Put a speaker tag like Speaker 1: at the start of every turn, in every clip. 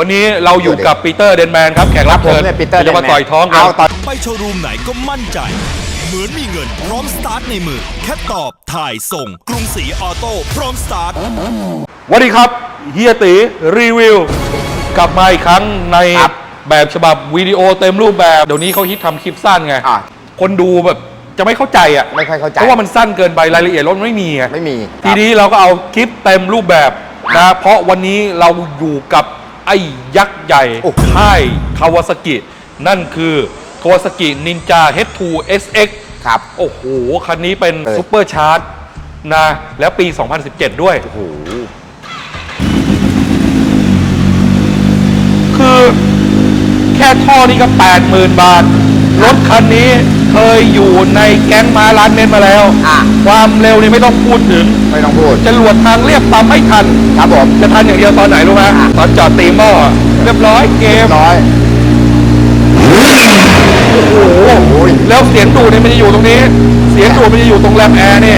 Speaker 1: วันนี้เราอยู่กับปีเตอร์เดนแมนครับแขกรับเชิญจะมาต่อยท้องกัน
Speaker 2: ไปโชว์รูมไหนก็มั่นใจเหมือนมีเงินพร้อมสตาร์ทในมือแค่ตอบถ่ายส่งกรุงศรีออโต้พร้อมสตาร์ท
Speaker 1: สวัสดีครับเฮียตีรีวิวกลับมาอีกครั้งในแบบฉบับวิดีโอเต็มรูปแบบเดี๋ยวนี้เขาฮิตทำคลิปสั้นไงคนดูแบบจะไม่เข้าใจอ่ะ
Speaker 3: ไม่ค่อยเข้าใจ
Speaker 1: เพราะว่ามันสั้นเกินไปรายละเอียดรถไม่มีไง
Speaker 3: ไม่มี
Speaker 1: ทีนี้เราก็เอาคลิปเต็มรูปแบบนะเพราะวันนี้เราอยู่กับไอ้ยักษ์ใหญ่ค่ายคาวาซากินั่นคือคาวาซากินินจา H2 SX
Speaker 3: ครับ
Speaker 1: โอ้โหคันนี้เป็นซุปเปอร์ชาร์จนะแล้วปี 2017 ด้วยโอ้โหคือแค่ท่อนี้ก็ 80,000 บาทรถคันนี้เคยอยู่ในแก๊งม้าล้านเมตรมาแล้วความเร็วนี่ไม่ต้องพูดถึง
Speaker 3: ไม่ต้องพูด
Speaker 1: จรวดทางเรียบตามไม่ทัน
Speaker 3: ครับผม
Speaker 1: จะทันอย่างเดียวตอนไหนรู้ไหมตอนจอดตีหม้อเรียบร้อยเกม
Speaker 3: ร้อย
Speaker 1: โอ้โหแล้วเสียงดูดเนี่ยมันจะอยู่ตรงนี้เสียงดูดมันจะอยู่ตรงแรมแอร์เนี่ย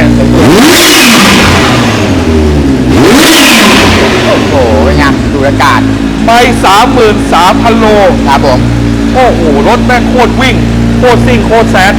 Speaker 3: โอ้โหเป็นไงดูอากาศ
Speaker 1: ไป 33,000 โล
Speaker 3: ครับผม
Speaker 1: โอ้โหรถแม่งโคตรวิ่งโคตรซิ่งโคตรแซด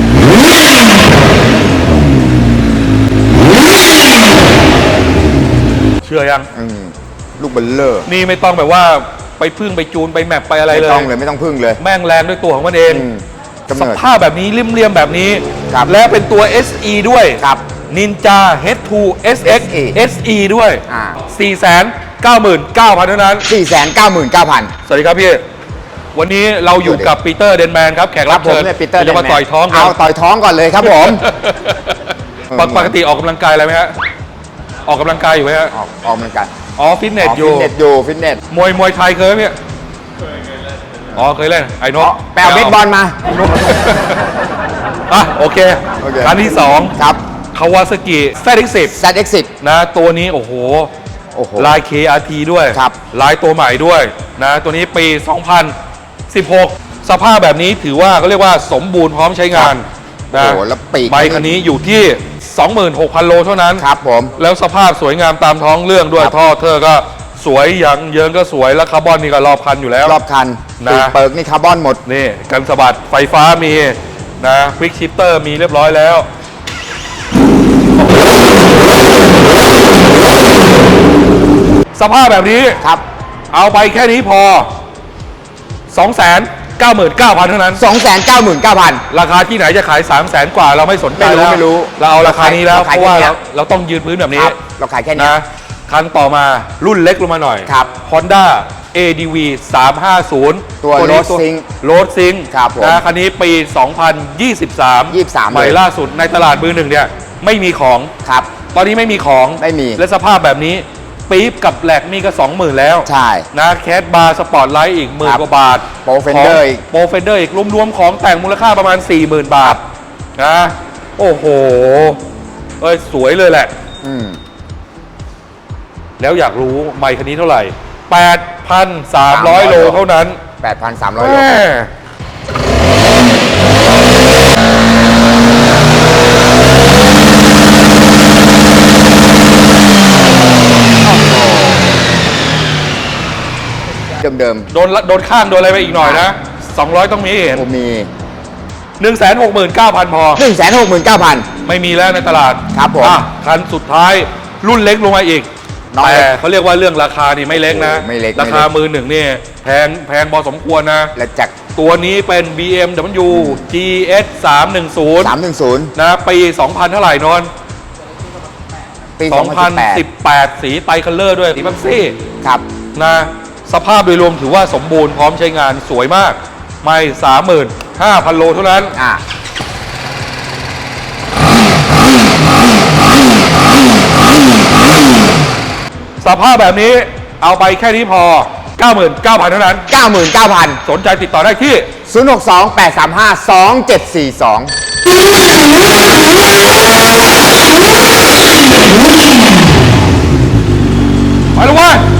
Speaker 1: เชื่อยัง
Speaker 3: ลูกเบลเลอร์
Speaker 1: นี่ไม่ต้องแบบว่าไปพึ่งไปจูนไปแมปไปอะไรเลย
Speaker 3: ไม่ต้องพึ่งเลย
Speaker 1: แม่งแรงด้วยตัวของมันเองสภาพแบบนี้เลี่ยมๆแบบนี้และเป็นตัว SE ด้วยNinja H2 SX SE ด้วย499,000 เท่านั้น
Speaker 3: 499,000
Speaker 1: สวัสดีครับพี่วันนี้เราอยู่กับปีเตอร์เดนแมนครับแขกรับเชิญจะมาต่อยท้อง
Speaker 3: กันเอาต่อยท้องก่อนเลยครับผม
Speaker 1: ปกติออกกำลังกายอะไรไหมฮะออกกำลังกายอยู่ไหมฮะ
Speaker 3: ออกกำลังกาย
Speaker 1: ฟิตเนสอยู่
Speaker 3: ฟิตเนส
Speaker 1: มวยไทยเคยไหมพี่เคยเล่นไอ้นก
Speaker 3: แปลเบสบอลมา
Speaker 1: โอเคคันที่2ครับคาวาซากิ
Speaker 3: ZX10
Speaker 1: นะตัวนี้โอ้โหลาย KRT ด้วยลายตัวใหม่ด้วยนะตัวนี้ปี 2016 สภาพแบบนี้ถือว่าเขาเรียกว่าสมบูรณ์พร้อมใช้งานนะใบคันนี้อยู่ที่ 26,000 โลเท่านั้น
Speaker 3: ครับผม
Speaker 1: แล้วสภาพสวยงามตามท้องเรื่องด้วยท่อเธอก็สวยอย่างเยิงก็สวยแล้วคาร์บอนนี่ก็รอบคันอยู่แล้ว
Speaker 3: รอบคันนะเปิกนี่คาร์บอนหมด
Speaker 1: นี่กันสะบัดไฟฟ้ามีนะควิกชิปเตอร์มีเรียบร้อยแล้วสภาพแบบนี้
Speaker 3: ครับ
Speaker 1: เอาไปแค่นี้พอ 299,000 เท่านั้น
Speaker 3: 299,000
Speaker 1: ราคาที่ไหนจะขาย 300,000 กว่าเราไม่สนใจแล้ว
Speaker 3: ไม่รู้
Speaker 1: เราเอาราคานี้แล้วเพราะว่าเราต้องยืนพื้นแบบนี้
Speaker 3: เราขายแค่นี้
Speaker 1: นะคันต่อมารุ่นเล็กลงมาหน่อย
Speaker 3: ครับ
Speaker 1: Honda ADV 350
Speaker 3: ตัวโรดซิง
Speaker 1: นะคันนี้ปี 2023 ใหม่ล่าสุดในตลาดมือหนึ่งเนี่ยไม่มีของ
Speaker 3: ครับ
Speaker 1: ตอนนี้ไม่มีของ
Speaker 3: ไม่มี
Speaker 1: และสภาพแบบนี้ปี๊บกับแหลกนี่ก็ 20,000 แล้ว
Speaker 3: ใช่
Speaker 1: นะแคสบาร์สปอร์ตไลท์อีก10,000 กว่าบาท
Speaker 3: โปรเฟนเดอร์
Speaker 1: อีกรวมๆของแต่งมูลค่าประมาณ 40,000 บาทนะโอ้โหสวยเลยแหละแล้วอยากรู้ไมค์คันนี้เท่าไหร่ 8,300 โลเท่านั้น
Speaker 3: 8,300 โลเดิม
Speaker 1: โดนข้างโดนอะไรไปอีกหน่อยนะ200ต้องมีเห็น
Speaker 3: มี
Speaker 1: 169,000 พอ
Speaker 3: 169,000
Speaker 1: ไม่มีแล้วในตลาด
Speaker 3: ครับผม
Speaker 1: คันสุดท้ายรุ่นเล็กลงมาอีกแต่เขาเรียกว่าเรื่องราคานี่ไม่เล็กนะราคามือหนึ่งนี่แพงพอสมควรนะ
Speaker 3: และจาก
Speaker 1: ตัวนี้เป็น BMW GS 310นะปี 2000 เท่าไหร่นน
Speaker 3: ปี
Speaker 1: 2018 สีไตรคัลเลอร์ด้วยสีแม็กซี่
Speaker 3: ครับ
Speaker 1: นะสภาพโดยรวมถือว่าสมบูรณ์พร้อมใช้งานสวยมากไม่ 35,000 โลเท่านั้นสภาพแบบนี้เอาไปแค่นี้พอ 99,000 เท่านั้น
Speaker 3: 99,000
Speaker 1: สนใจติดต่อได้ที่
Speaker 3: 062-835-2742
Speaker 1: ไปเลยเว้ย